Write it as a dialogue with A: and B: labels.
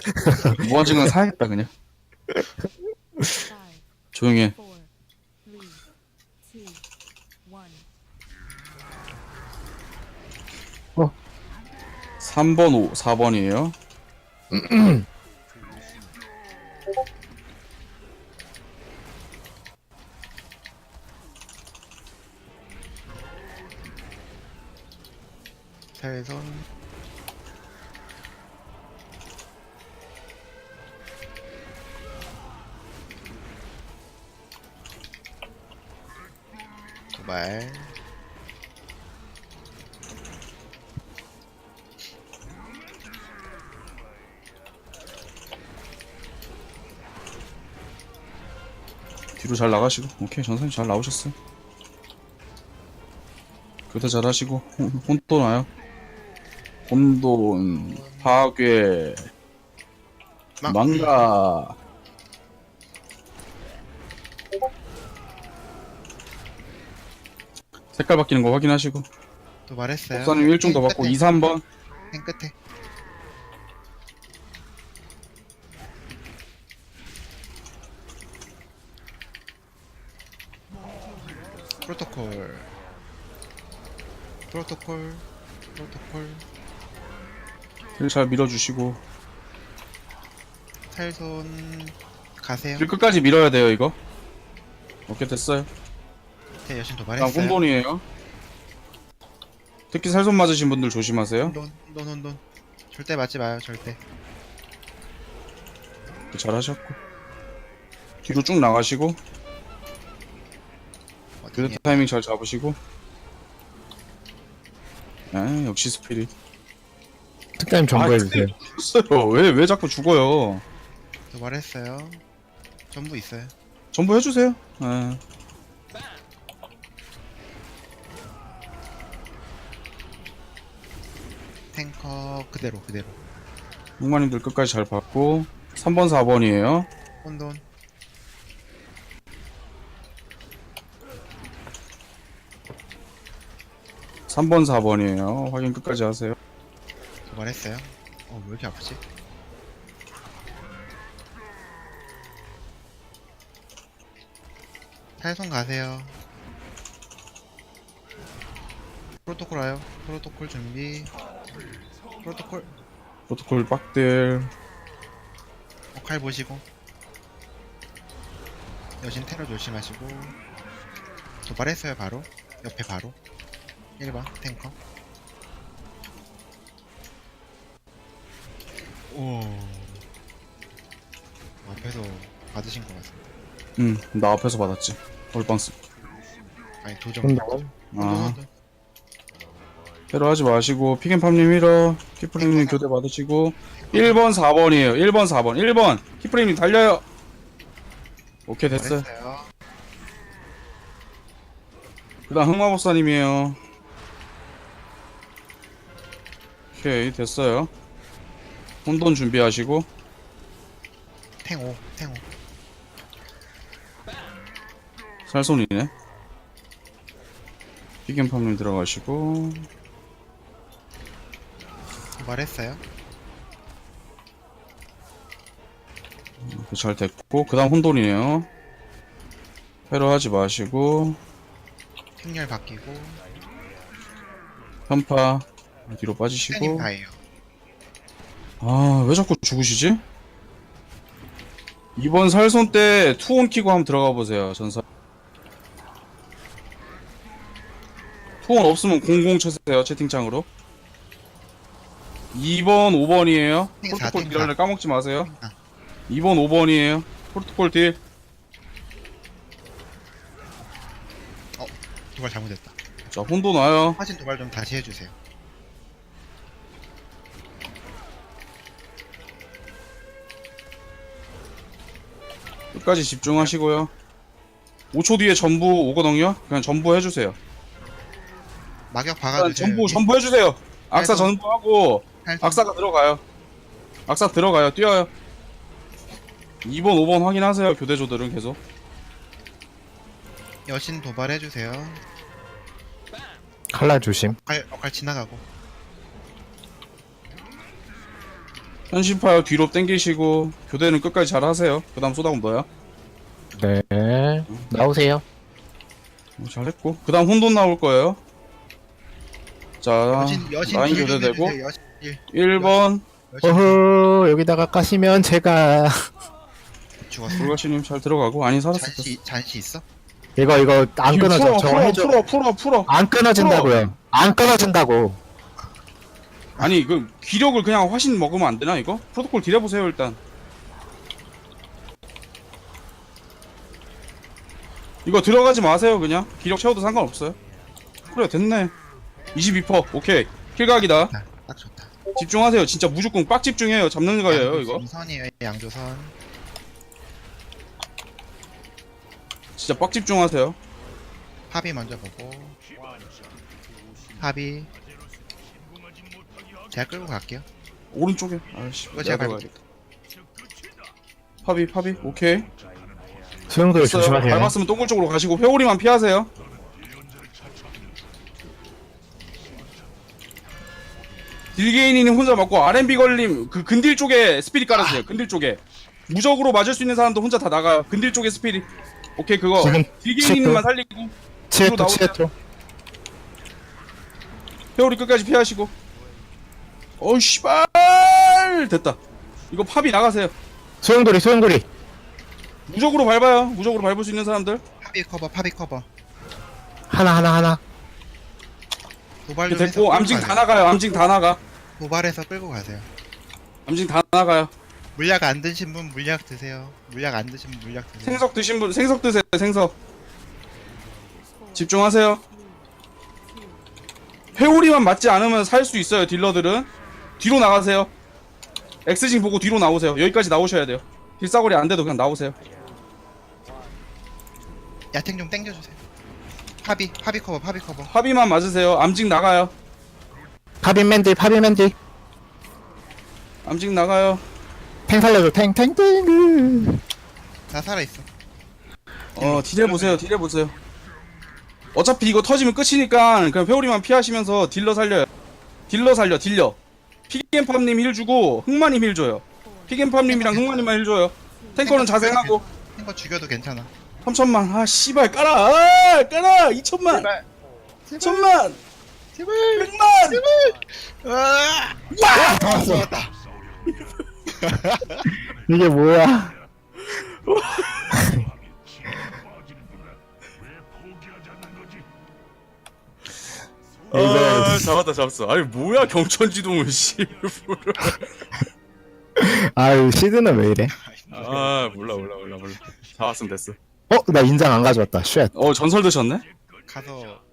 A: 무한증은 사야겠다 그냥. 조용히 해. 3번 4번이에요.
B: 살손 도발
A: 뒤로 잘 나가시고. 오케이 전선님 잘 나오셨어요. 교대 잘 하시고. 혼돈 와요. 혼돈 파괴 망가. 색깔 바뀌는 거 확인하시고.
B: 도발했어요.
A: 법사님 1중 더 받고 2, 3번.
B: 행 끝에 프로토콜 프로토콜 프로토콜
A: 길 잘 밀어주시고.
B: 살손 가세요.
A: 길 끝까지 밀어야 돼요 이거. 오케이 됐어요.
B: 제 여신
A: 다음
B: 도발했어요.
A: 혼돈이에요. 특히 살손 맞으신 분들 조심하세요.
B: 혼돈 절대 맞지 마요. 절대.
A: 잘 하셨고. 뒤로 쭉 나가시고.
B: 어디니?
A: 교대 타이밍 잘 잡으시고. 아 역시 스피릿.
C: 특타임 정보해주세요.
A: 죽었어요. 왜 자꾸 죽어요.
B: 도발했어요. 전부 있어요.
A: 전부 해주세요. 예.
B: 탱커 그대로.
A: 흑마님들 끝까지 잘 받고. 3번 4번이에요.
B: 혼돈
A: 3번 4번이에요. 확인 끝까지 하세요.
B: 도발했어요. 왜 이렇게 아프지? 살손 가세요. 프로토콜 와요. 프로토콜 준비. 프로토콜
A: 프로토콜 빡들.
B: 칼 보시고. 여신 테러 조심하시고. 도발했어요. 바로 옆에 바로 1번 탱커. 오 앞에서 받으신 것 같습니다.
A: 나 앞에서 받았지. 올방스.
B: 아니 도전.
C: 혼돈.
A: 아. 테러 하지 마시고. 피겐팜님 힐러. 키프레임님 교대 받으시고. 1번 4번이에요. 1번 4번. 1번. 키프레임님 달려요. 오케이 됐어요.
B: 도발했어요.
A: 그 다음 흑마법사님이에요. 오케이 됐어요. 혼돈 준비하시고.
B: 탱5
A: 살손이네. 피겐팜님 들어가시고.
B: 도발했어요.
A: 잘 됐고. 그 다음 혼돈이에요. 테러 하지 마시고.
B: 행렬 바뀌고.
A: 편파 뒤로
B: 탱님
A: 빠지시고.
B: 다예요.
A: 아 왜 자꾸 죽으시지? 이번 살손 때 투혼 키고 한번 들어가 보세요. 전사 투혼 없으면 00 쳐세요. 채팅창으로. 2번 5번이에요.
B: 탱 사,
A: 프로토콜
B: 탱
A: 딜할래 까먹지 마세요.
B: 아.
A: 2번 5번이에요. 프로토콜 딜.
B: 도발 잘못했다.
A: 자 혼돈 와요.
B: 화진 도발 좀 다시 해주세요.
A: 끝까지 집중하시고요. 5초 뒤에 전부 오거든요. 그냥 전부 해주세요.
B: 막역
A: 일단
B: 박아주세요.
A: 전부 해주세요. 악사
B: 살손.
A: 전부하고
B: 살손.
A: 악사가 들어가요. 악사 들어가요. 뛰어요. 2번 5번 확인하세요. 교대조들은 계속.
B: 여신 도발해주세요.
C: 칼날 조심.
B: 칼 지나가고.
A: 현신파요 뒤로 당기시고 교대는 끝까지 잘 하세요. 그 다음 쏟아금 너야.
C: 네. 나오세요.
A: 잘했고 그 다음 혼돈 나올 거예요. 자
B: 여신
A: 라인
B: 딜 좀
A: 교대되고
B: 해주세요. 여신 딜.
A: 1번
B: 여신
C: 어허, 여기다가 까시면 제가.
B: 죽었어.
A: 불가시님 잘 들어가고 아니 살았을 때
B: 잔시 있어?
C: 이거 안 끊어져. 저거 해줘.
A: 풀어
C: 안 끊어진다고요. 안 끊어진다고.
A: 아니 그 기력을 그냥 화신 먹으면 안 되나 이거? 프로토콜 딜해보세요 일단. 이거 들어가지 마세요 그냥. 기력 채워도 상관없어요. 그래 됐네. 22% 오케이. 킬각이다.
B: 딱 좋다.
A: 집중하세요. 진짜 무조건 빡 집중해요. 잡는 거예요 이거.
B: 양조선이에요. 양조선.
A: 진짜 빡 집중하세요.
B: 합이 먼저 보고. 합이. 제가 끌고 갈게요.
A: 오른쪽에. 아이씨
B: 이거
A: 내가
B: 제가
A: 들어가야겠다. 파비 오케이.
C: 수영들
A: 됐어요.
C: 조심하세요.
A: 밟았으면 동굴 쪽으로 가시고 회오리만 피하세요. 딜게이니님 혼자 맞고 R&B 걸림 그 근딜 쪽에 스피릿 깔아주세요. 근딜 쪽에 무적으로 맞을 수 있는 사람도 혼자 다 나가요. 근딜 쪽에 스피릿. 오케이 그거
C: 지금
A: 딜게이니님만 살리고
C: 치에토,
A: 나오세요.
C: 치에토.
A: 회오리 끝까지 피하시고. 어이 씨발 됐다. 이거 팝이 나가세요.
C: 소용돌이.
A: 무적으로 밟아요. 무적으로 밟을 수 있는 사람들.
B: 합이 커버.
C: 하나.
B: 도발
A: 이렇게
B: 좀 해서
A: 됐고
B: 끌고
A: 암징
B: 가세요.
A: 다 나가요. 암징 다 나가.
B: 도발해서 끌고 가세요.
A: 암징 다 나가요.
B: 물약 안 드신 분 물약 드세요. 물약 안 드신 분 물약 드세요.
A: 생석 드신 분 생석 드세요. 생석. 집중하세요. 회오리만 맞지 않으면 살 수 있어요. 딜러들은 뒤로 나가세요. 엑스징 보고 뒤로 나오세요. 여기까지 나오셔야 돼요. 딜사거리 안 돼도 그냥 나오세요.
B: 야탱 좀 땡겨주세요. 합이 커버.
A: 합의만 맞으세요. 암징 나가요.
C: 파빈맨디.
A: 암징 나가요.
C: 탱 살려줘. 탱.
B: 나 살아있어.
A: 딜해보세요. 어차피 이거 터지면 끝이니까 그냥 회오리만 피하시면서 딜러 살려요. 딜러. 피겐팜님 힐 주고 흑마님 힐 줘요. 피겐팜님이랑 흑마님만 힐 줘요. 탱커는 자생하고.
B: 탱커 죽여도 괜찮아.
A: 3천만. 아 씨발 깔아. 깔아. 2천만.
B: 제발.
A: 1천만.
B: 제발.
A: 100만.
B: 와!
C: 다 왔어.
B: 왔다.
C: 이게 뭐야?
A: 잡았어. 아니 뭐야 경천지동을 씨.
C: 아유, 시드는 왜 이래?
A: 아 몰라. 잡았으면 됐어.
C: 나 인장 안 가져왔다. 쉣.
A: 전설 드셨네?
B: 가서